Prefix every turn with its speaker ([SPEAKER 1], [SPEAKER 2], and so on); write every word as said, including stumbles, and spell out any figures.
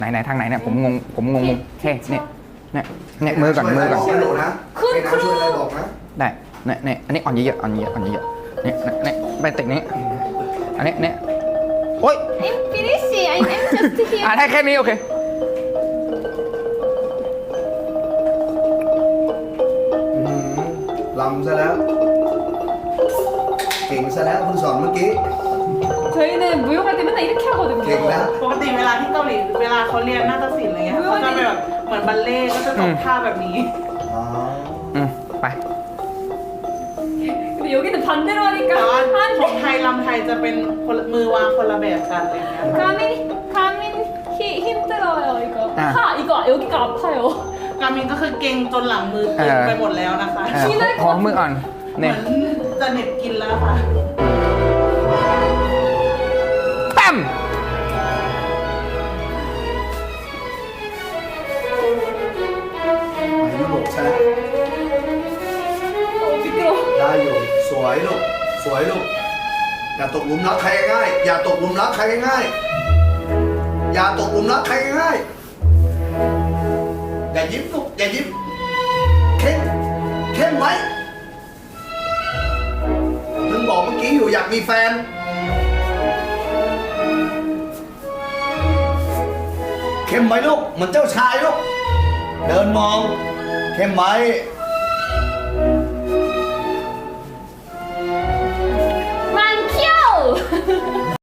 [SPEAKER 1] ไหนไหนทางไหนเนี่ยผมงงผมงงงเฮ้เนี่ยเนี่ยเนี่ยมือก่อนมือก่อน
[SPEAKER 2] คุณครูบอกนะ
[SPEAKER 1] ได้เนี่ยเนี่ยอันนี้อ่อนเยอะๆอ่อนเยอะๆอ่อนเยอะๆเนี่ยเนี่ยไปติกนี้อันนี้เนี่ยโอ๊ย
[SPEAKER 3] I'm finishing. I'm, I'm just
[SPEAKER 1] อ่ะ
[SPEAKER 3] here.
[SPEAKER 1] ได้แค่นี้โอเค
[SPEAKER 2] ลำซะแล้ว เก่งซะแล้วคุณสอนเมื่อกี้
[SPEAKER 3] 저희는 무용할 때 맨날 이렇게 하거든요.
[SPEAKER 2] เก่งแล้ว
[SPEAKER 4] ปกติเวลาที่เกาหลีเวลาเขาเรียนนาฏศิลป์อะไรเงี้ยเขาจะเป็นแบบเหมือนบัลเล่ต์ก็จะตกท่าแบบนี้
[SPEAKER 2] อ๋อ
[SPEAKER 1] อืมไป
[SPEAKER 3] 근데 여기는 반대로
[SPEAKER 4] แต่ว่า
[SPEAKER 3] 하니까
[SPEAKER 4] ของ
[SPEAKER 3] 안
[SPEAKER 4] ไทยลำไทยจะเป็นคนละมือวางคนละแบบกันอะไรเงี้ย
[SPEAKER 3] 돼. 가민 가민 히, 힘들어요 이거.
[SPEAKER 1] 아.
[SPEAKER 3] 하 이거 여기가 아파요.
[SPEAKER 4] กามินก็คือเก่งจนหลังมือเก่งไปหมดแล้วนะคะ
[SPEAKER 1] เออขอมืออ่อน
[SPEAKER 4] เหมื
[SPEAKER 1] เนี่
[SPEAKER 4] อย นจะเหน็บกินแล้วค่ะ
[SPEAKER 1] ตั้ม
[SPEAKER 2] ไปยุโรปซะแล้ว
[SPEAKER 3] 어 미끄러.
[SPEAKER 2] ได้อยู่สวยลูกสวยลูกอย่าตกหลุมรักใครง่ายๆอย่าตกหลุมรักใครง่ายๆอย่าตกหลุมรักใครง่ายๆอย่ายิ้มลูกอย่ายิ้มเข้มเข้มไว้มึงบอกเมื่อกี้อยู่อยากมีแฟนเข้มไว้ลูกเหมือนเจ้าชายลูกเดินมองเข้มไว้
[SPEAKER 3] 만키오.